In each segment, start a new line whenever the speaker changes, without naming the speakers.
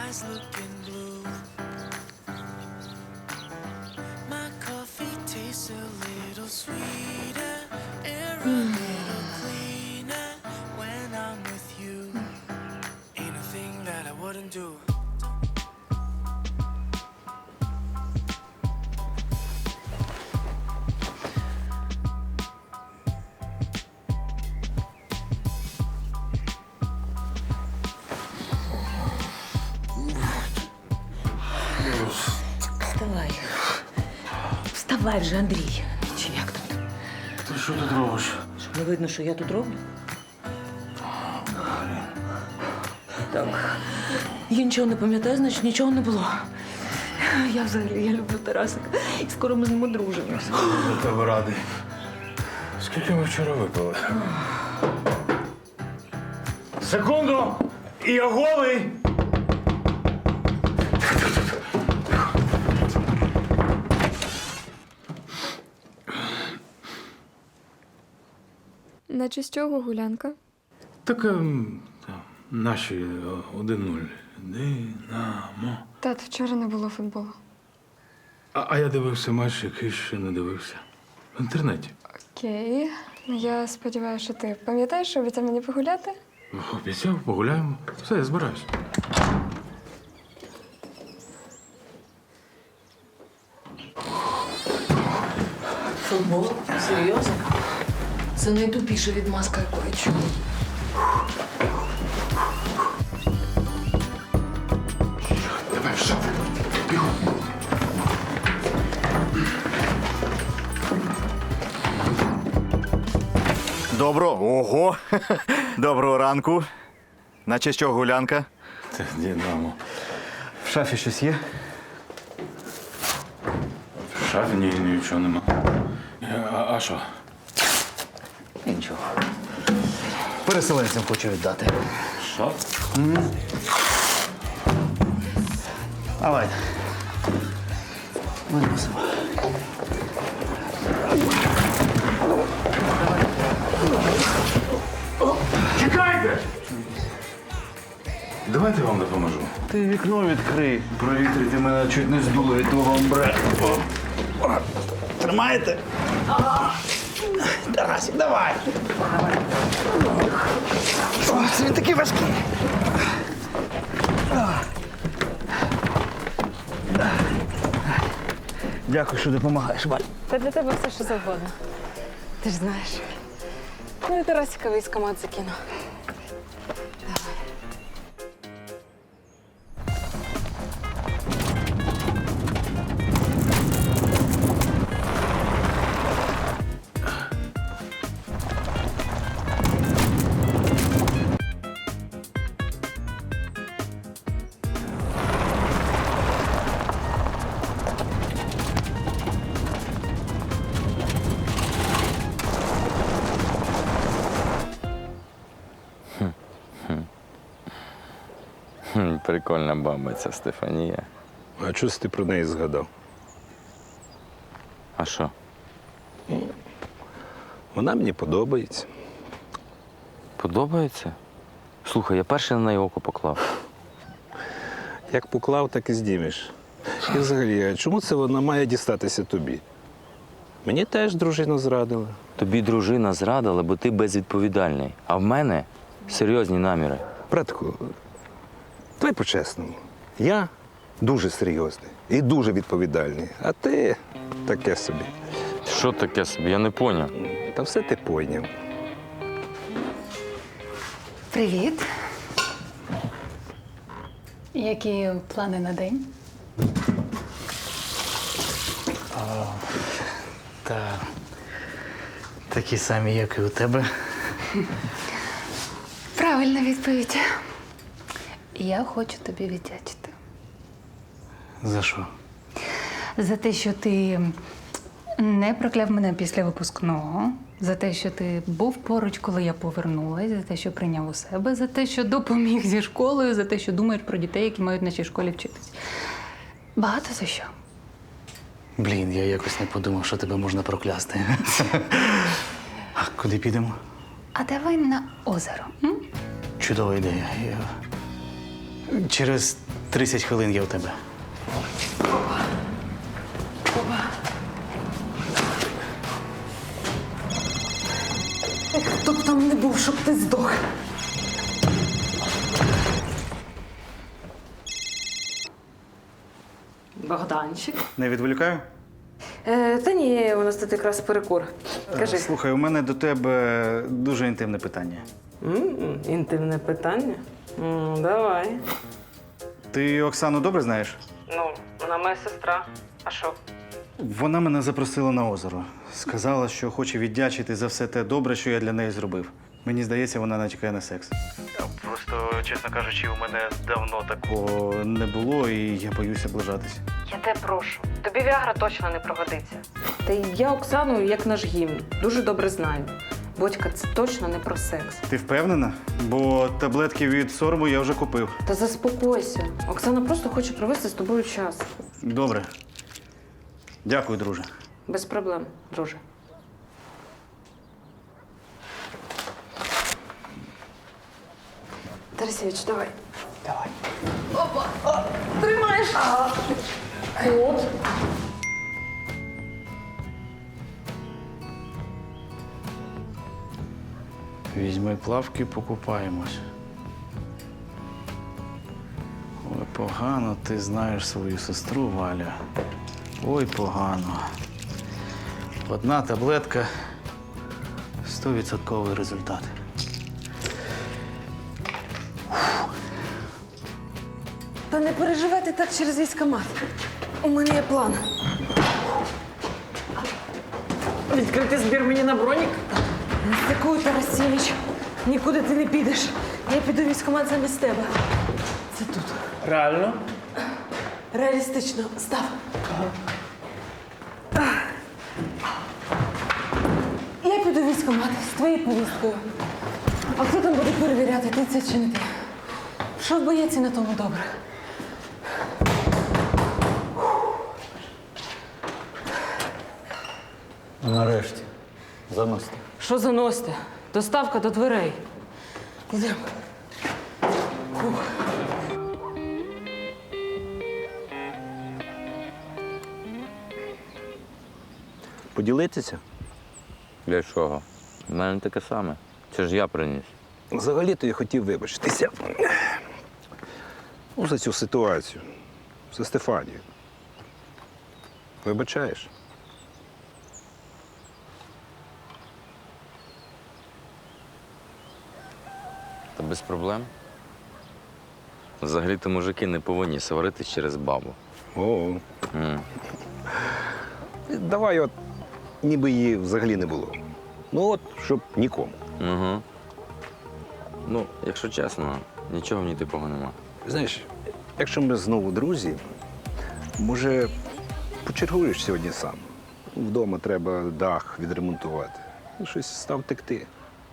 eyes looking blue. My coffee tastes a little sweeter, air a little cleaner when I'm with you. Ain't a thing that I wouldn't do.
Вставай. Вставай вже, Андрій. Чи як там?
Ти що тут робиш?
Щоб не видно, що я тут роблю? Так. Я нічого не пам'ятаю, значить нічого не було. Я взагалі, я люблю Тарасика. І скоро ми з ним одружимося.
За тебе радий. Скільки ми вчора випили? Секунду! І я голий!
Наче з чого гулянка?
Так наші 1-0. Динамо.
Тат, вчора не було футболу.
А я дивився матч, який ще не дивився. В інтернеті.
Окей. Ну, я сподіваюся, що ти пам'ятаєш, що обіцяв мені погуляти?
Обіцяв, погуляємо. Все, я збираюсь.
Футбол? Серйозно? Це найтупіша відмазка, яку я чула.
Давай в шафу. Бігом.
Ого! Доброго ранку. Наче що гулянка?
Це Динамо.
В шафі щось є?
В шафі нічого нема. А що?
Нічого. Переселенцям хочу віддати.
Що?
Давай. Виносимо.
Чекайте! Давайте я вам допоможу.
Ти вікно відкрий. Провітрити мене чуть не здуло від твого амбре. Тримаєте? Тарасик, давай. Це він такий важкий. Дякую, що допомагаєш, Валь.
Та для тебе все, що завгодно. Ти ж знаєш. Ну і Тарасика військомат закину.
Прикольна баба ця Стефанія.
А чого ти про неї згадав?
А що?
Вона мені подобається.
Подобається? Слухай, я перший на неї око поклав.
Як поклав, так і здімеш. І взагалі, а чому це вона має дістатися тобі? Мені теж дружина зрадила.
Тобі дружина зрадила, бо ти безвідповідальний. А в мене серйозні наміри.
Братку, давай по-чесному. Я дуже серйозний і дуже відповідальний, а ти таке собі.
Що таке собі? Я не поняв.
Та все ти пойняв.
Привіт. Які плани на день?
Та такі самі, як і у тебе.
Правильна відповідь. Я хочу тобі віддячити.
За що?
За те, що ти не прокляв мене після випускного, за те, що ти був поруч, коли я повернулася, за те, що прийняв у себе, за те, що допоміг зі школою, за те, що думаєш про дітей, які мають в нашій школі вчитись. Багато за що.
Блін, я якось не подумав, що тебе можна проклясти. А куди підемо?
А давай на озеро. М?
Чудова ідея. Через 30 хвилин я у тебе.
Хто б там не був, щоб ти здох.
Богданчик.
Не відволікаю?
Та ні, у нас тут якраз перекур. Кажи.
Слухай, у мене до тебе дуже інтимне питання.
Інтимне питання? Давай.
Ти Оксану добре знаєш?
Ну, вона моя сестра. А що?
Вона мене запросила на озеро. Сказала, що хоче віддячити за все те добре, що я для неї зробив. Мені здається, вона натякає на секс. Просто, чесно кажучи, у мене давно такого не було, і я боюся облажатись.
Я тебе прошу. Тобі Віагра точно не пригодиться. Та й я Оксану, як наш гімн, дуже добре знаю. Бодька, це точно не про секс.
Ти впевнена? Бо таблетки від сорому я вже купив.
Та заспокойся. Оксана просто хоче провести з тобою час.
Добре. Дякую, друже.
Без проблем, друже. Тарасевич, давай. Давай. Опа! Тримаєш! От.
Візьми плавки, покупаємось. Ой, погано ти знаєш свою сестру, Валя. Ой, погано. Одна таблетка 100% результат.
Та не переживайте так через військкомат. У мене є план. Відкрити збір мені на бронік? Дякую, Тарасевич. Нікуди ти не підеш. Я піду в військкомат замість тебе. Це тут.
Реально?
Реалістично. Став. Я піду в військкомат з твоєю повісткою. А хто там буде перевіряти, ти це чи не ти? Що в боєці на тому добре?
Нарешті. Заносите.
Що заносите? Доставка до дверей. Ідемо.
Поділитися?
Для чого? У мене таке саме. Це ж я приніс.
Взагалі-то я хотів вибачитися. Ну, за цю ситуацію. За Стефанію. Вибачаєш?
Та без проблем. Взагалі-то мужики не повинні сваритись через бабу.
О. Давай от, ніби її взагалі не було. Ну от, щоб нікому.
Угу. Ну, якщо чесно, нічого в ній типого нема.
Знаєш, якщо ми знову друзі, може, почергуєш сьогодні сам. Вдома треба дах відремонтувати. Ну, щось став текти.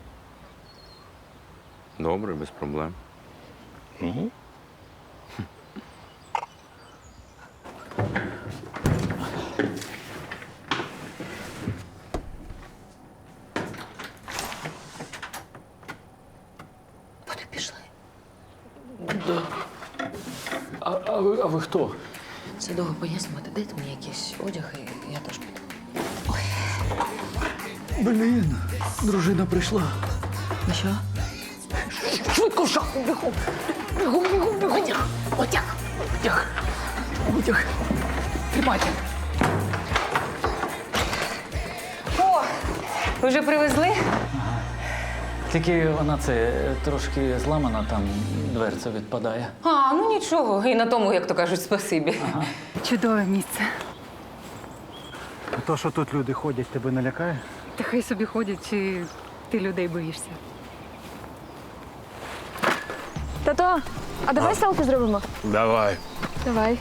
Добре, без проблем.
Угу.
Куди пішли?
А ви хто?
Це довго пояснювати. Дайте мені якийсь одяг, і я теж піду.
Блін, дружина прийшла.
Ну що? Швидко в шахту, бігом! Бігом, бігом, бігом! Одяг!
Витяг. Тримайте.
О! Ви вже привезли?
Тільки вона це трошки зламана, там дверця відпадає.
А, ну нічого. І на тому, як то кажуть, спасибі.
Чудове місце.
То, що тут люди ходять, тебе не лякає?
Та хай собі ходять, чи ти людей боїшся?
Тато, а давай селфі зробимо?
Давай.
Давай.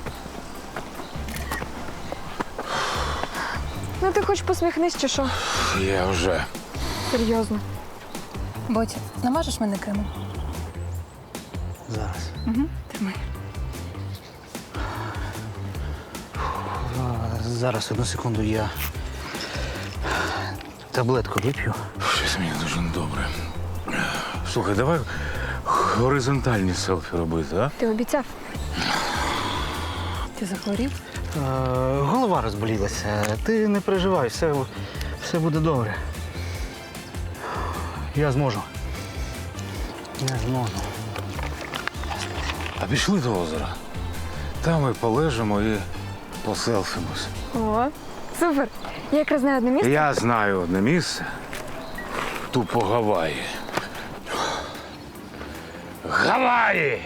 Ну ти хоч посміхнись, чи що?
Я вже.
Серйозно.
Ботя, намажеш мене кремом?
Зараз.
Тримай.
Зараз, одну секунду, я таблетку вип'ю.
Щось мені дуже добре. Слухай, давай
горизонтальні селфі робити, а?
Ти обіцяв.
Ти захворів?
Голова розболілася. Ти не переживай, все буде добре. Я зможу. Я зможу.
А пішли до озера. Там ми полежимо і поселфимось.
О, супер. Я якраз знаю одне місце.
Я знаю одне місце. Тупо Гаваї. Гаваї!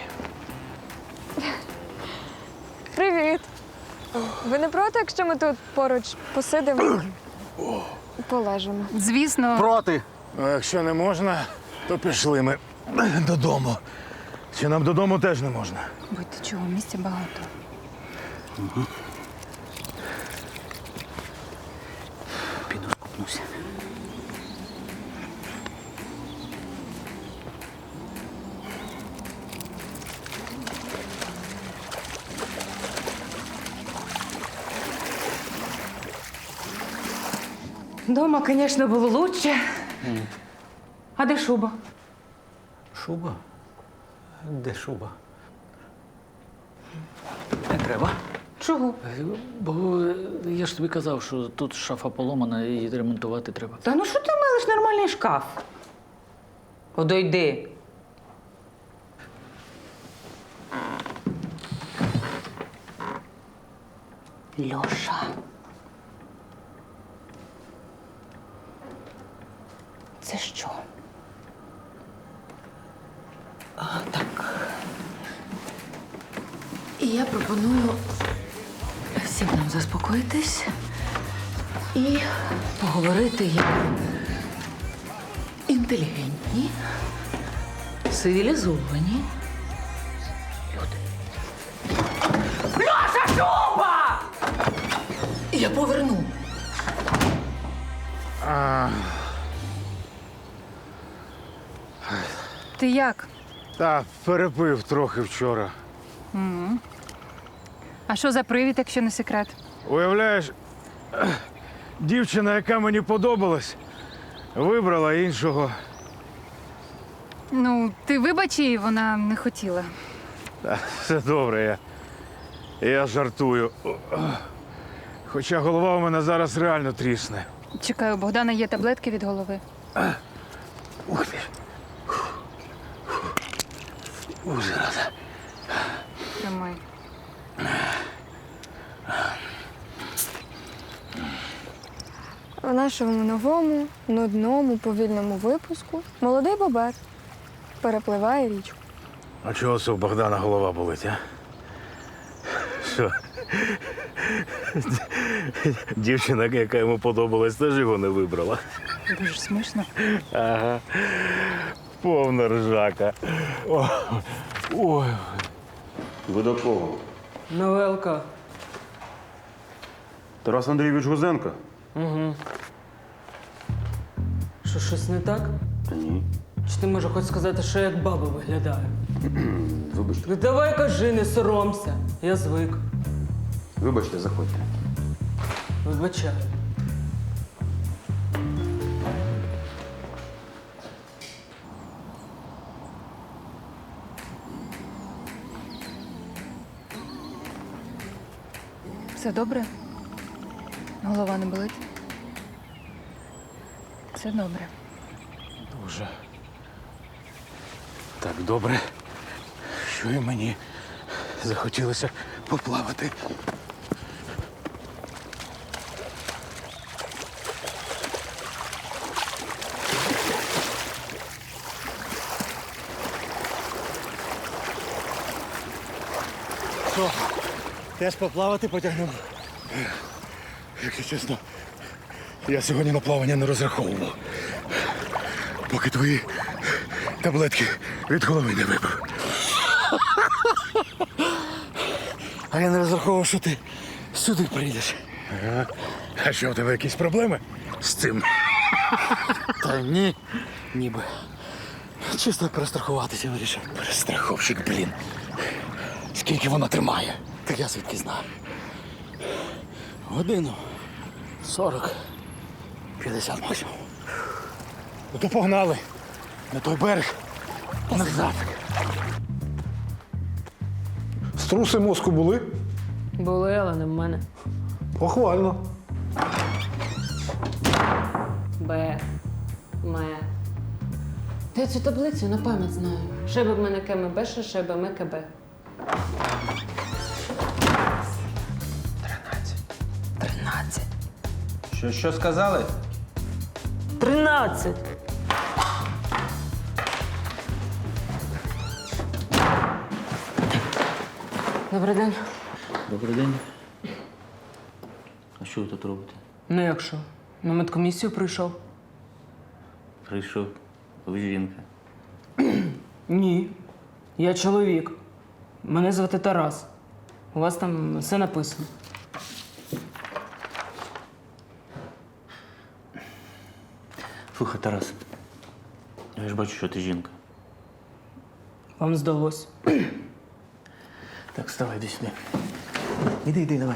Привіт. Ви не проти, якщо ми тут поруч посидимо і полежимо?
Звісно.
Проти!
А якщо не можна, то пішли ми додому. Чи нам додому теж не можна?
Будьте чого, місця багато.
Піду скупнуся.
Дома, звісно, було лучше. А де шуба?
Шуба? Де шуба? Не треба.
Чого?
Бо я ж тобі казав, що тут шафа поломана і ремонтувати треба.
Та ну що ти милиш нормальний шкаф? Подойди. Льоша. Це що? Так. І я пропоную всім нам заспокоїтись і поговорити як інтелігентні, цивілізовані люди. Льоша, шуба! Я поверну.
Ти як?
Та перепив трохи вчора.
А що за привід, якщо не секрет?
Уявляєш, дівчина, яка мені подобалась, вибрала іншого.
Ну, ти вибач її, вона не хотіла.
Та, все добре, я жартую. Хоча голова у мене зараз реально трісне.
Чекаю, у Богдана є таблетки від голови.
Ух ти. Зараза.
Тримай.
В нашому новому, нудному, повільному випуску молодий бобер перепливає річку.
А чого це у Богдана голова болить, а? Що? Дівчина, яка йому подобалась, теж його не вибрала.
Дуже смішно.
Ага. Повна ржака. Ой.
Ви до кого?
Новелка.
Тарас Андрійович Гузенко?
Що, щось не так?
Та ні.
Чи ти може хоч сказати, що я як баба виглядаю?
Вибачте.
Ну давай кажи, не соромся. Я звик.
Вибачте, заходьте.
Вибачаю.
Все добре? Голова не болить? Все добре.
Дуже. Так добре, що і мені захотілося поплавати.
Що? Теж поплавати потягнемо?
Якщо чесно, я сьогодні на плавання не розраховував. Поки твої таблетки від голови не випив.
А я не розраховував, що ти сюди прийдеш.
А що, у тебе якісь проблеми з цим?
Та ні, ніби. Чисто перестрахуватися вирішив.
Перестраховщик, блін. Скільки вона тримає?
Так я звідки знаю. Годину 40, 50 максимум.
Ну то погнали. На той берег. Назад. Струси мозку були?
Були, але не в мене.
Похвально.
Б. Ме. Та я цю таблицю на пам'ять знаю. Шеби в мене КМБ, шеби ме КБ. 13.
Що сказали?
13. Добрий день.
Добрий день. А що ви тут робите?
Ну як що? На медкомісію прийшов?
Прийшов. Ви жінка.
Ні. Я чоловік. Мене звати Тарас. У вас там все написано.
Слухай, Тарас. Я ж бачу, що ти жінка.
Вам здалось.
Так, вставай, йди сюди. Іди, давай.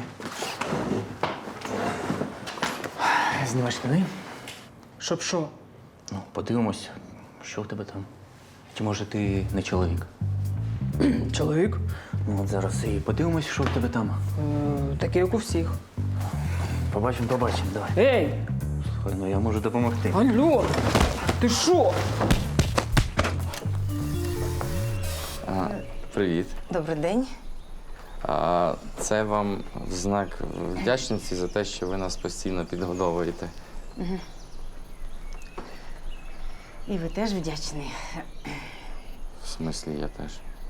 Знімай штани.
Щоб що?
Ну, подивимось, що в тебе там. Чи може ти не чоловік?
Чоловік?
Ну, от зараз і подивимось, що в тебе там.
Такий, як у всіх.
Побачимо, давай.
Ей!
Слухай, ну я можу допомогти.
Алло! Ти що?
Привіт.
Добрий день.
Це вам в знак вдячності за те, що ви нас постійно підгодовуєте.
І ви теж вдячний.
В смислі, я теж.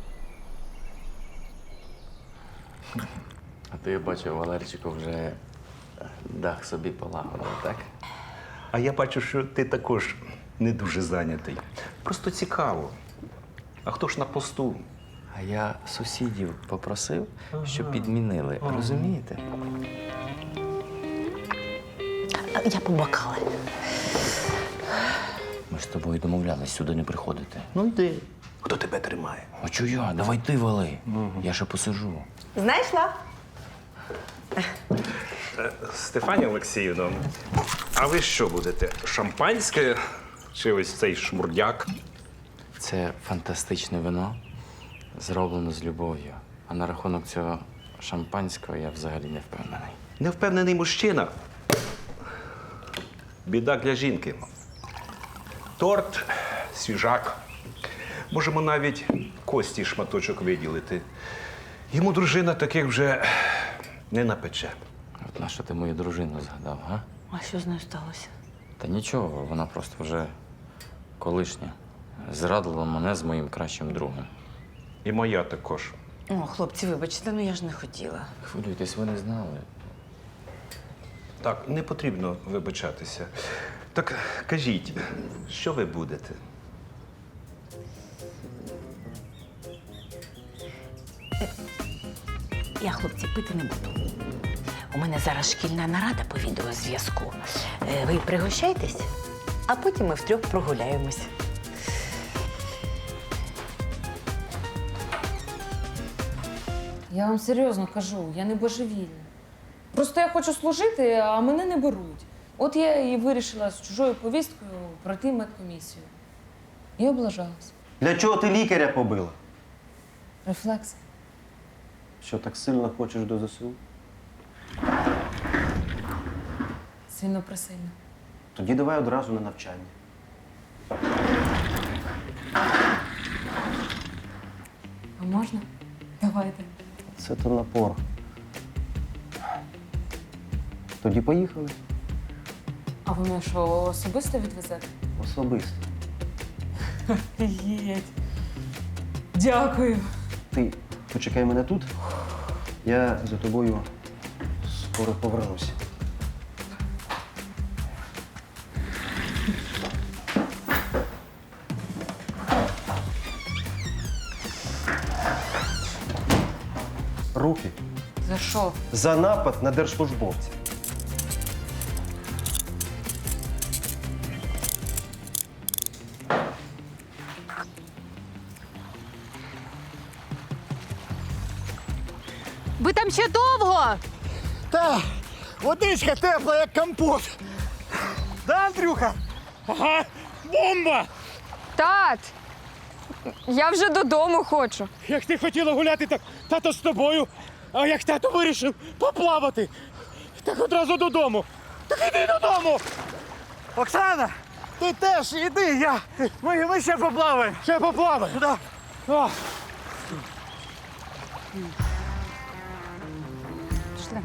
А то я бачу, Валерчику вже дах собі полагодив, так?
А я бачу, що ти також не дуже зайнятий. Просто цікаво. А хто ж на посту?
А я сусідів попросив, щоб підмінили. Розумієте?
Я побакала.
Ми ж з тобою домовлялись сюди не приходити.
Ну йди. Хто тебе тримає?
А чого я? Давай ти вали. Я ще посижу.
Знайшла?
Стефанія Олексіївна, а ви що будете? Шампанське чи ось цей шмурдяк?
Це фантастичне вино, зроблено з любов'ю. А на рахунок цього шампанського я взагалі не впевнений.
Невпевнений мужчина. Біда для жінки. Торт, свіжак. Можемо навіть кості шматочок виділити. Йому дружина таких вже не напече.
От на що ти мою дружину згадав, га?
А що з нею сталося?
Та нічого, вона просто вже колишня. Зрадила мене з моїм кращим другом.
І моя також.
О, хлопці, вибачте, ну я ж не хотіла.
Хвилюйтесь, ви не знали.
Так, не потрібно вибачатися. Так кажіть, що ви будете?
Я, хлопці, пити не буду. У мене зараз шкільна нарада по відеозв'язку. Ви пригощайтесь, а потім ми втрьох прогуляємось.
Я вам серйозно кажу, я не божевільна. Просто я хочу служити, а мене не беруть. От я і вирішила з чужою повісткою пройти медкомісію. І облажалась.
Для чого ти лікаря побила?
Рефлекс.
Що так сильно хочеш до ЗСУ?
Сильно присильно.
Тоді давай одразу на навчання.
А можна? Давайте.
Це то напор. Тоді поїхали.
А ви мене що, особисто відвезете?
Особисто.
Офігеть. Дякую.
Ти почекай мене тут. Я за тобою скоро повернуся. Руки.
За що?
За напад на держслужбовця.
Ви там ще довго?
Та, водичка тепла, як компот. Да, Андрюха? Ага, бомба!
Тат! Я вже додому хочу.
Як ти хотіла гуляти, так тато з тобою. А як тато вирішив поплавати, так одразу додому. Так іди додому!
Оксана! Ти теж іди, ми ще поплаваємо.
Ще поплаваємо?
Да.
О,
Пішли.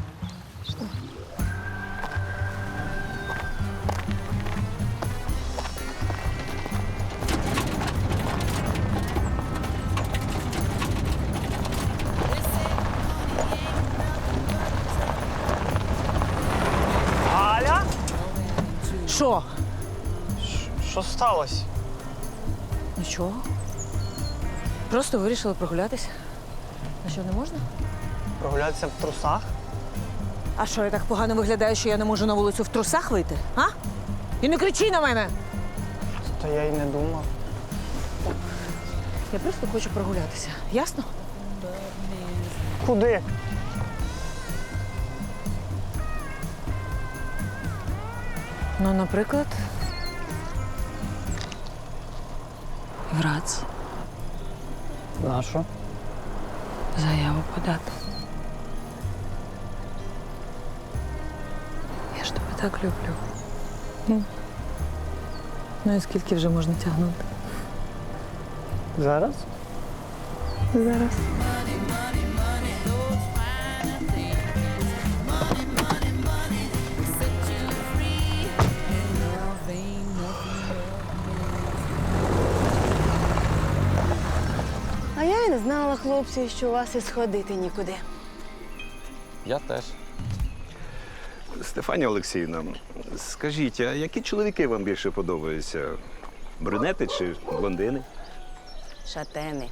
Аля?
Що?
Що сталося?
Нічого. Просто вирішила прогулятися. А що, не можна?
Прогулятися в трусах?
А що, я так погано виглядаю, що я не можу на вулицю в трусах вийти? А? І не кричи на мене!
Та я й не думав.
Я просто хочу прогулятися. Ясно?
Куди?
Ну, наприклад, Грац.
На що?
Заяву подати. Я ж тебе так люблю. Ну і скільки вже можна тягнути?
Зараз?
Зараз.
А я і не знала, хлопці, що у вас і сходити нікуди.
Я теж.
Стефанія Олексіївна, скажіть, а які чоловіки вам більше подобаються? Брюнети чи блондини?
Шатени.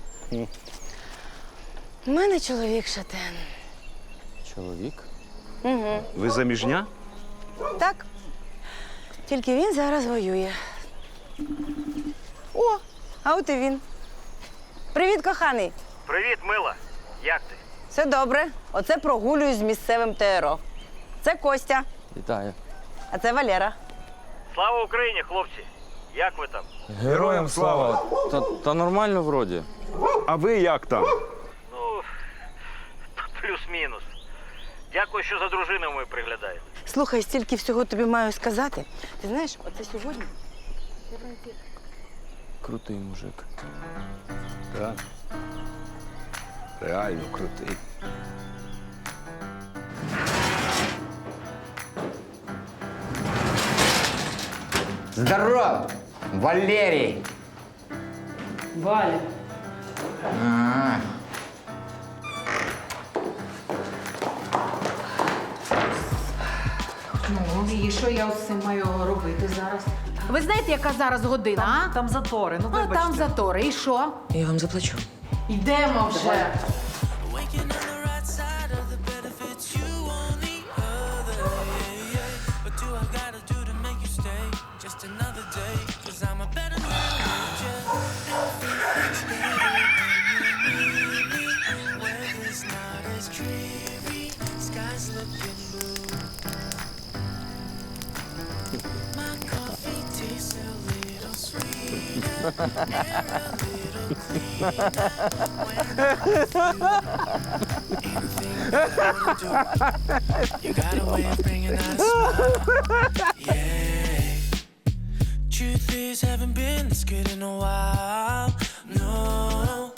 У мене чоловік шатен.
Чоловік?
Угу.
Ви заміжня?
Так. Тільки він зараз воює. О, а от і він. Привіт, коханий.
Привіт, мила. Як ти?
Все добре. Оце прогулююсь з місцевим ТРО. Це Костя,
Вітаю.
а це Валера.
Слава Україні, хлопці! Як ви там?
Героям слава! Та нормально вроді.
А ви як там?
Ну, плюс-мінус. Дякую, що за дружиною ми приглядаєте.
Слухай, стільки всього тобі маю сказати. Ти знаєш, оце сьогодні.
Крутий мужик.
Так. Реально крутий.
Здорово, Валерій!
Валя.
Ну, і що я з цим маю робити зараз?
Ви знаєте, яка зараз година, а? Там затори, ну
А
вибачте.
там затори, і що?
Я вам заплачу.
Йдемо вже.
Waking on the right side of the bed if it's you on the other. Yeah, yeah. What do I gotta do to make you stay? Just another day, 'cause I'm a better man with you. Everything's better when you need me. Weather's not as dreary, sky's looking blue. My coffee tastes a little sweeter, air a little cleaner. You got a way of bringing out a smile. Yeah. Truth is, haven't been this good in a while. No.